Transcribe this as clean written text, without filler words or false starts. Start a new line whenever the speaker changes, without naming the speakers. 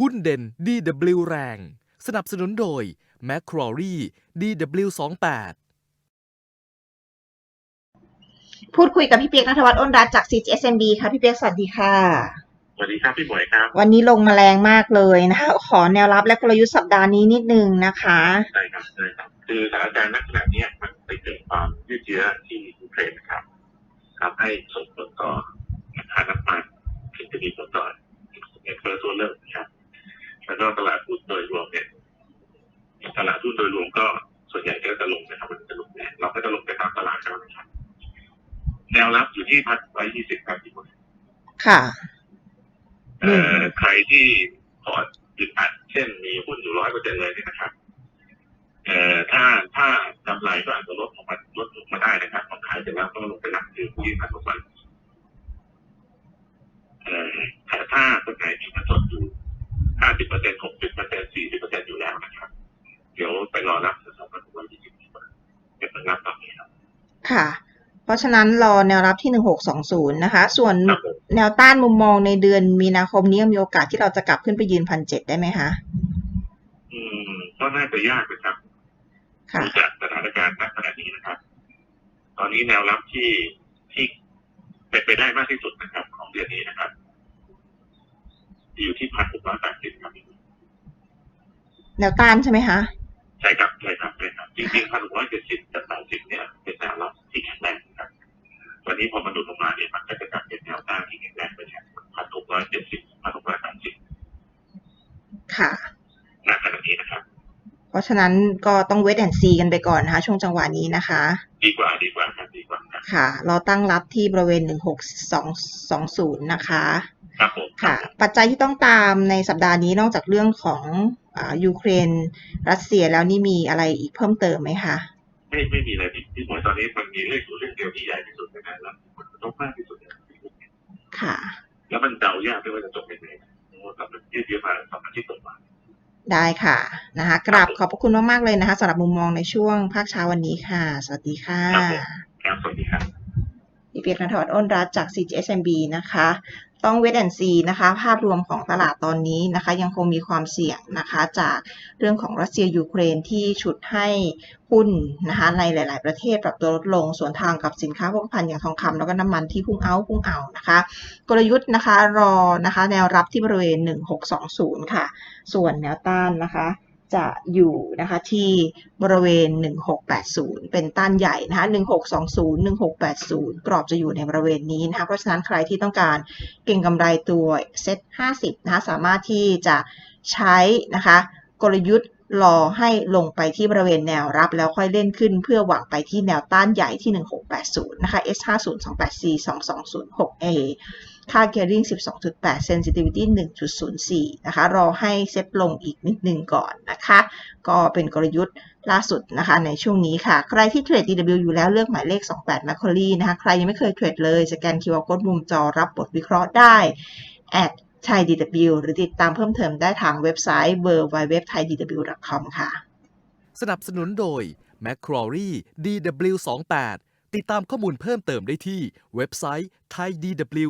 หุ้นเด่น DW แรงสนับสนุนโดย Macquarie DW28
พูดคุยกับพี่เปียกณัฐวัฒน์อ้นรัตน์จาก CGSMB ค่ะพี่เปียกสวัสดีค่ะ
สวัสดีครับพี่หมวยครับ
วันนี้ลงมาแรงมากเลยนะคะขอแนวรับและกลยุทธ์สัปดาห์นี้นิดนึงนะคะ
ใช่ครับคือสถานการณ์ณขณะนี้มันไปเกิดความยืดเยื้อที่ยูเครนครับทำให้ส่งผลต่อราคาน้ำมันที่จะมีผลต่อเงินเฟ้อตัวเริ่มนะครับแล้วก็ตลาดหุ้นโดยรวมเนี่ยตลาดหุ้นโดยรวมก็ส่วนใหญ่ก็จะลงนะครับมันจะลงแรงเราก็จะลงไปตามตลาดกันนะครับแนวรับอยู่ที่1,120ครับพี่หมวย
ค่ะ
ใครที่พอร์ตอึดอัดเช่นมีหุ้นอยู่100%เลยเนี่ยนะครับถ้ากำไรก็อาจจะลดลงมาได้นะครับพอขายเสร็จแล้วก็ลงไปหลักคือผู้ยืนพันลงมาแต่ถ้าคนไหนมีเงินสดอยู่50% 60% 40% อยู่แล้วนะครับเดี๋ยวไปรอรับ2,120เป็นผลลัพธ์ตอนนี้ครับ
ค่ะเพราะฉะนั้นรอแนวรับที่1620นะคะส่วนแนวต้านมุมมองในเดือนมีนาคมนี้ยังมีโอกาสที่เราจะกลับขึ้นไปยืน 1,700 ได้ไหมคะ
ก็น่าจะยากนะครับดูจากสถานการณ์ณขณะนี้นะครับตอนนี้แนวรับที่เป็นไปได้มากที่สุดนะครับของเดือนนี้นะครับอยู่ที่1,680ครับ
แนวต้านใช่ไหมคะ
ใช่ครับจริงๆ1,670กับ80เนี่ยเป็นแนวรับที่แข็งแรงครับวันนี้พอมันดุลงมาเนี่ยมันก็จะกลับเป็นแนวต้านที่แข็งแรงไปแทน1,670 1,680
ค่ะ
ณขณะนี้นะครับ
เพราะฉะนั้นก็ต้อง wait and see กันไปก่อนนะคะช่วงจังหวะนี้นะคะ
ดีกว่าครับ
ค่ะเราตั้งรับที่บริเวณ16220นะคะ
ครับผม
ค่ะปัจจัยที่ต้องตามในสัปดาห์นี้นอกจากเรื่องของยูเครนรัสเซียแล้วนี่มีอะไรอีกเพิ่มเติมไหมคะ
ไม่มีอะไรที่หมวยตอนนี้มันมีเรื่องเดียวที่ใหญ่ที่สุดนะครับแล้วมันต้องมากที่สุด
ค่ะ
แล้วมันเดายากด้วยว่าจะจบยังไงเพราะว่ามันยืดเยื้อมา2 อาทิตย์ต่อมา
ได้ค่ะนะคะกราบขอบพระคุณมากๆเลยนะคะสำหรับมุมมองในช่วงภาคเช้าวันนี้ค่ะสวัสดีค่ะ
ครับสวัสดีครับ
พี่เปียก ณัฐวัฒน์อ้นรัตน์จาก CGSMB นะคะต้อง wait and see นะคะภาพรวมของตลาดตอนนี้นะคะยังคงมีความเสี่ยงนะคะจากเรื่องของรัสเซียยูเครนที่ฉุดให้หุ้นนะคะในหลายๆประเทศปรับตัวลดลงสวนทางกับสินค้าโภคภัณฑ์อย่างทองคำแล้วก็น้ำมันที่พุ่งเอานะคะกลยุทธ์นะคะรอนะคะแนวรับที่บริเวณ1620ค่ะส่วนแนวต้านนะคะจะอยู่นะคะที่บริเวณ1680เป็นต้านใหญ่นะคะ1620 1680กรอบจะอยู่ในบริเวณนี้นะคะเพราะฉะนั้นใครที่ต้องการเก็งกำไรตัวเซ็ต50นะคะสามารถที่จะใช้นะคะกลยุทธ์รอให้ลงไปที่บริเวณแนวรับแล้วค่อยเล่นขึ้นเพื่อหวังไปที่แนวต้านใหญ่ที่1680นะคะ S50 284 2206Aค่า gearing 12.8 sensitivity 1.04 นะคะรอให้เซ็ตลงอีกนิดนึงก่อนนะคะก็เป็นกลยุทธ์ล่าสุดนะคะในช่วงนี้ค่ะใครที่เทรด DW อยู่แล้วเลือกหมายเลข28 Macquarie นะคะใครยังไม่เคยเทรดเลยสแกน QR Code มุมจอรับบทวิเคราะห์ได้@thaidw หรือติดตามเพิ่มเติมได้ทางเว็บไซต์ www.thaidw.com ค่ะ
สนับสนุนโดย Macquarie DW28 ติดตามข้อมูลเพิ่มเติมได้ที่เว็บไซต์ thaidw